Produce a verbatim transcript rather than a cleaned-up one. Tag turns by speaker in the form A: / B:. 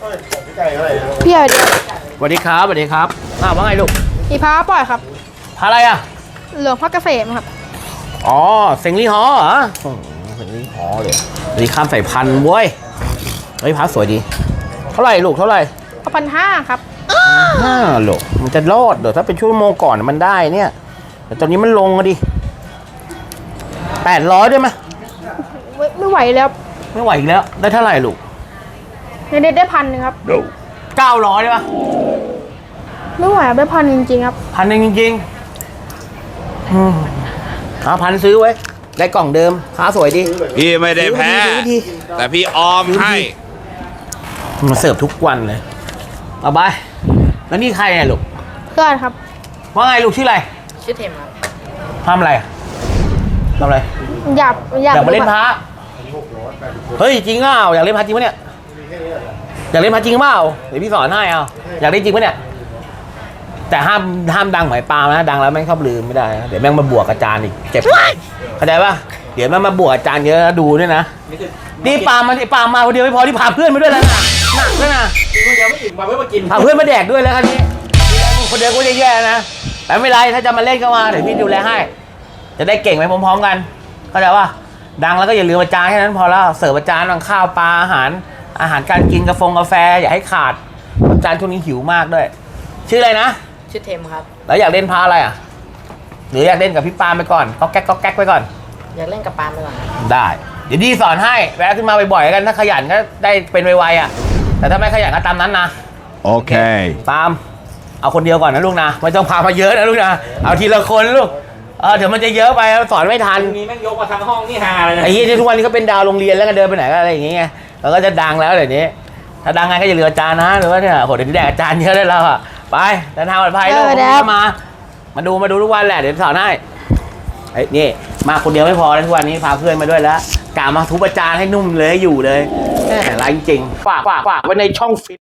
A: พี่เอาเดียว
B: สวัสดีครับสวัสดีครับอ้าวว่าไงลูก
A: อีพาปล่อยครับ
B: พาอะไรอ่ะ
A: เหลืองพักเกษมครับ
B: อ๋อเซ็งลี่ฮอเหรออืมเซ็งลี่ฮอเลยนี่ข้ามสายพันธุ์เว้ยเฮ้ยพาสวยดีเท่าไหร่ลูกเท่าไหร่
A: เอาพันห้าครับ
B: ห้าโลมันจะรอดเดี๋ยวถ้าเป็นชั่วโมงก่อนมันได้เนี่ยแต่ตอนนี้มันลงอะดิแปดร้อยได้ไหม
A: ไม่ไม่ไหวแล้ว
B: ไม่ไหวอีกแล้วได้เท่าไหร่ลูก
A: ในเด็ดได้พันหนึงครับ
B: เก้าร้อยได้ปะ
A: ไม่ไหวครับได้พันจริงๆครับ
B: พันหนึ่งจริงๆอืมเอาพันซื้อไว้ได้กล่องเดิมค้าสวยดี
C: พี่ไม่ได้แพ้
B: ซื้อดี
C: แต่พี่ออมให้
B: มาเสิร์ฟทุกวันเลยเอาไปแล้วนี่ใครเนี่ยลูก
A: เพื่อนครับ
B: ว่าไงลูกชื่ออะไร
A: ชื่อเทมครับ
B: ทำอะไรอะทำอะไร
A: อยากอยาก
B: อยากมาเล่นพระเฮ้ยจริงเปล่าอยากเล่นพระจริงปะเนี่ยอยากเล่นพระจริงเปล่าเดี๋ยวพี่สอนให้เอาอยากเล่นจริงปะเนี่ยแต่ห้ามห้ามดังหมายปลานะดังแล้วแม่งชอบลืมไม่ได้นะเดี๋ยวแม่งมาบวกอาจารย์อีกเจ็บเข้าใจปะเดี๋ยวแม่งมาบวกอาจารย์เยอะดูด้วยนะนี่ปลามันปลามาคนเดียวไม่พอที่พาเพื่อนมาด้วยแล้วนะหนักด้วยนะ
D: คนเดียวไม่อิ่มมาเพื่อมากิน
B: พาเพื่อนมาแดกด้วยแล้วคันนี้คนเดียวก็แย่ๆนะแต่ไม่เป็นไรถ้าจะมาเล่นก็มาเดี๋ยวพี่ดูแลให้จะได้เก่งไปพร้อมๆกันเข้าใจปะดังแล้วก็อย่าลืมอาจารย์แค่นั้นพอแล้วเสิร์ฟอาจารย์บางข้าวปลาอาหารอาหารการกินกาแฟกาแฟอย่าให้ขาดอาจารย์ช่วงนี้หิวมากด้วยชื่ออะไรนะ
E: ชื่อเทมครับ
B: แล้วอยากเล่นพาอะไรอ่ะหรืออยากเล่นกับพี่ปาล์มไปก่อนก็แก๊กก็แก๊กไปก่อน
E: อยากเล่นกับปาล์มไปก่อนครับ
B: ได้เดี๋ยวดีสอนให้แวะขึ้นมาบ่อยๆกันถ้าขยันก็ได้เป็นไวๆอ่ะแต่ถ้าไม่ขยันก็ตามนั้นนะ
C: Okay.
B: ปาล์มเอาคนเดียวก่อนนะลูกนะไม่ต้องพามาเยอะนะลูกนะเอาทีละคนลูกเออเดี๋ยวมันจะเยอะไปสอนไม่ทัน
D: มีแม่งยกมาทั้งห้องนี่ฮาเลยนะ
B: ไอ้ยี่ที่ทุกวันนี้ก็เป็นดาวโรงเรียนแล้วก็เดินไปไหนก็อะไรอย่างเงี้ยแล้วก็จะดังแล้วเดี๋ยวนี้ถ้าดังไงก็อย่าลืมอาจารย์นะหรือว่าเนี่ยโหเดี๋ยวนี้แดกอาจารย์เยอะได้แล้วอ่ะไปเดินทางปลอดภัยลูกมามาดูมาดูทุกวันแหละเดี๋ยวสอนให้ไอ้นี่มาคนเดียวไม่พอแล้วทุกวันนี้พาเพื่อนมาด้วยแล้วกะมาทุบอาจารย์ให้นุ่มเลยให้อยู่เลยแหมไรจริงฝากฝากฝากไว้ในช่องฟิต